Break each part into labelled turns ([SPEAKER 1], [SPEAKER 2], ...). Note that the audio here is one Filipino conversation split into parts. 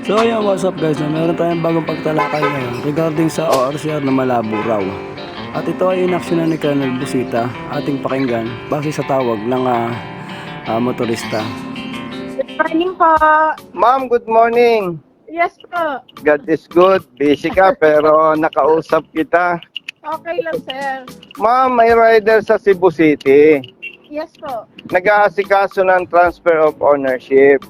[SPEAKER 1] So ayun, what's up guys, meron tayong bagong pagtalakay ngayon regarding sa ORCR na malabo raw. At ito ay inaksyonan ni Colonel Busita, ating pakinggan base sa tawag ng motorista.
[SPEAKER 2] Good morning po.
[SPEAKER 3] Ma'am, good morning.
[SPEAKER 2] Yes po.
[SPEAKER 3] God is good. Busy ka pero nakausap kita.
[SPEAKER 2] Okay lang, sir.
[SPEAKER 3] Ma'am, may rider sa Cebu City.
[SPEAKER 2] Yes po.
[SPEAKER 3] Nag-aasikaso ng transfer of ownership.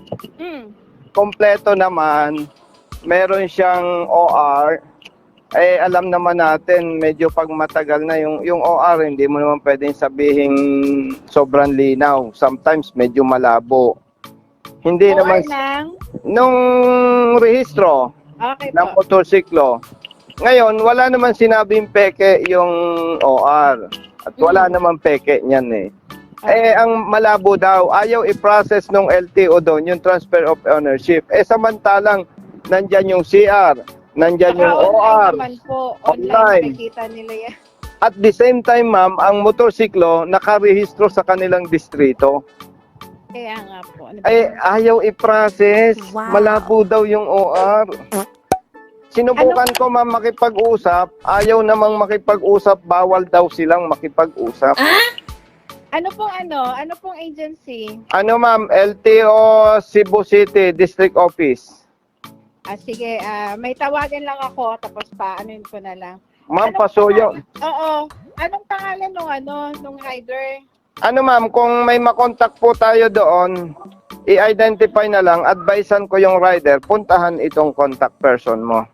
[SPEAKER 3] Kompleto naman. Meron siyang OR. Eh, alam naman natin, medyo pag matagal na yung OR, hindi mo naman pwedeng sabihin sobrang linaw. Sometimes medyo malabo. Hindi
[SPEAKER 2] OR
[SPEAKER 3] naman
[SPEAKER 2] ng...
[SPEAKER 3] nung rehistro
[SPEAKER 2] Okay
[SPEAKER 3] ng
[SPEAKER 2] po.
[SPEAKER 3] motorsiklo. Ngayon, wala naman sinabing peke yung OR. At wala naman peke niyan eh. Eh, ang malabo daw, ayaw i-process ng LTO doon, yung transfer of ownership. Eh, samantalang, nandyan yung CR, nandyan yung
[SPEAKER 2] Online
[SPEAKER 3] OR.
[SPEAKER 2] naman po.
[SPEAKER 3] Online.
[SPEAKER 2] Online makikita nila yan.
[SPEAKER 3] At the same time, ma'am, ang motorsiklo nakarehistro sa kanilang distrito.
[SPEAKER 2] Kaya nga po. Ano ba?
[SPEAKER 3] Eh, ayaw i-process. Malabo daw yung OR. Sinubukan ko, ma'am, makipag-usap. Ayaw namang makipag-usap. Bawal daw silang makipag-usap.
[SPEAKER 2] Ano pong agency?
[SPEAKER 3] Ano, ma'am? LTO Cebu City District Office.
[SPEAKER 2] Sige, may tawagan lang ako tapos anuin ko na lang.
[SPEAKER 3] Ma'am,
[SPEAKER 2] Anong
[SPEAKER 3] pasuyo.
[SPEAKER 2] Oo. Anong pangalan nung rider?
[SPEAKER 3] Ano, ma'am, kung may makontak po tayo doon, i-identify na lang, advisean ko yung rider, puntahan itong contact person mo.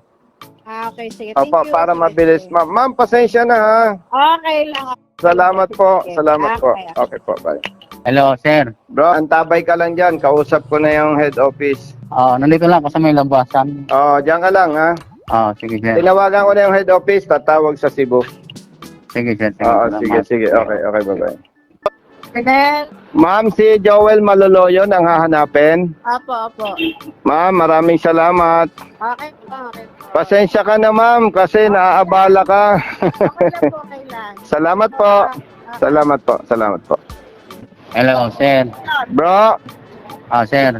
[SPEAKER 2] Okay, sige. Thank
[SPEAKER 3] Opo,
[SPEAKER 2] you.
[SPEAKER 3] para
[SPEAKER 2] Sige,
[SPEAKER 3] mabilis,
[SPEAKER 2] sige.
[SPEAKER 3] ma'am. Ma'am, pasensya na ha.
[SPEAKER 2] Okay lang.
[SPEAKER 3] Salamat po.
[SPEAKER 2] Sige.
[SPEAKER 3] Salamat po.
[SPEAKER 2] Okay.
[SPEAKER 3] Okay po, bye.
[SPEAKER 4] Hello, sir.
[SPEAKER 3] Bro, antabay ka lang dyan. Kausap ko na yung head office.
[SPEAKER 4] Nandito lang ako sa may labasan.
[SPEAKER 3] Diyan ka lang ha.
[SPEAKER 4] Sige, sir.
[SPEAKER 3] Tinawagan ko na yung head office, tatawag sa Cebu.
[SPEAKER 4] Sige, sir.
[SPEAKER 3] Sige, sige. Okay, bye-bye.
[SPEAKER 2] Colonel.
[SPEAKER 3] Ma'am, si Joel Maloloyon ang hahanapin.
[SPEAKER 2] Opo.
[SPEAKER 3] Ma'am, maraming salamat.
[SPEAKER 2] Okay po.
[SPEAKER 3] Pasensya ka na, ma'am, kasi naaabala ka.
[SPEAKER 2] Okay lang.
[SPEAKER 3] Salamat po. Salamat po.
[SPEAKER 4] Hello, sir.
[SPEAKER 3] Bro,
[SPEAKER 4] Sir.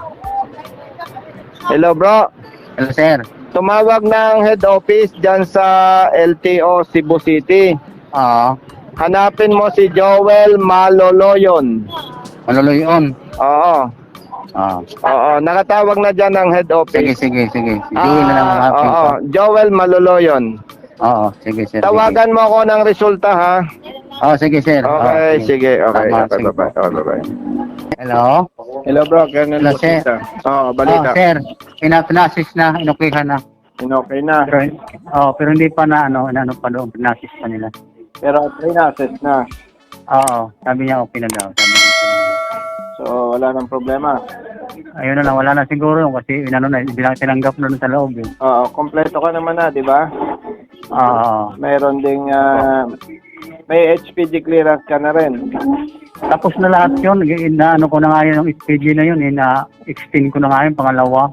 [SPEAKER 3] hello bro.
[SPEAKER 4] Hello, sir.
[SPEAKER 3] Tumawag ng head office dyan sa LTO Cebu City. Hanapin mo si Joel Maloloyon.
[SPEAKER 4] Maluluyon.
[SPEAKER 3] Oo. Nakatawag na dyan ng head office.
[SPEAKER 4] Sige. Joey na lang ang aking.
[SPEAKER 3] Joel Maloloyon.
[SPEAKER 4] Sige, sir.
[SPEAKER 3] Tawagan mo ako ng resulta ha.
[SPEAKER 4] Sige, sir.
[SPEAKER 3] Okay, sige. Okay,
[SPEAKER 4] Sige.
[SPEAKER 3] bye-bye.
[SPEAKER 4] Hello?
[SPEAKER 3] Hello bro, Colonel
[SPEAKER 4] Hello, sir.
[SPEAKER 3] Busita. Balita.
[SPEAKER 4] Sir. Pinasis na, inukihan na.
[SPEAKER 3] Okay na.
[SPEAKER 4] Pero hindi pa na, pa doon, pinasis pa nila.
[SPEAKER 3] Pero pre-assess na.
[SPEAKER 4] Sabi niya, okay na daw. Sabi niya.
[SPEAKER 3] So, wala nang problema.
[SPEAKER 4] Ayun na lang, wala na siguro kasi hindi lang tinanggap na doon sa loob.
[SPEAKER 3] Kompleto ka naman na, di ba? Mayroon ding may HPG clearance ka na rin.
[SPEAKER 4] Tapos na lahat yun, ano ko na nga yun, yung SPG na yun, extend ko na nga yun, pangalawa.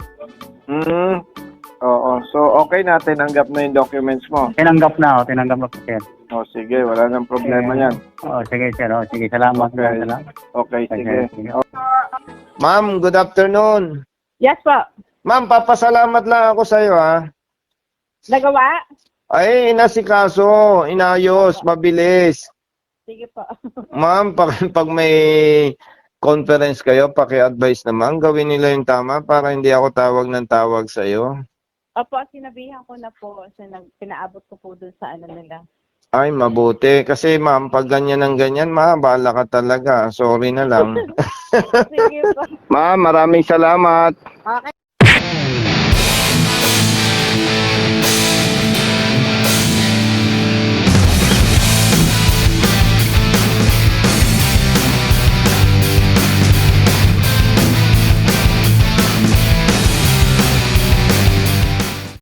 [SPEAKER 3] Oo. So, okay na, tinanggap na yung documents mo.
[SPEAKER 4] Tinanggap na, sir.
[SPEAKER 3] Sige, wala nang problema yan.
[SPEAKER 4] Sige, sir. Sige, salamat.
[SPEAKER 3] Okay.
[SPEAKER 4] Salamat.
[SPEAKER 3] Okay, sige.
[SPEAKER 4] Sige.
[SPEAKER 3] Ma'am, good afternoon.
[SPEAKER 2] Yes po.
[SPEAKER 3] Ma'am, papasalamat lang ako sa iyo ha.
[SPEAKER 2] Nagawa?
[SPEAKER 3] Ay, inasikaso, inayos, mabilis.
[SPEAKER 2] Sige po.
[SPEAKER 3] Ma'am, pag may conference kayo, paki-advise naman, gawin nila yung tama para hindi ako tawag ng tawag sa iyo.
[SPEAKER 2] Opo, sinabihan ko na po. Pinaabot ko po dun sa nila.
[SPEAKER 3] Ay, mabuti. Kasi ma'am, pag ganyan ng ganyan, mahabala ka talaga. Sorry na lang.
[SPEAKER 2] Sige po.
[SPEAKER 3] Ma'am, maraming salamat.
[SPEAKER 2] Okay.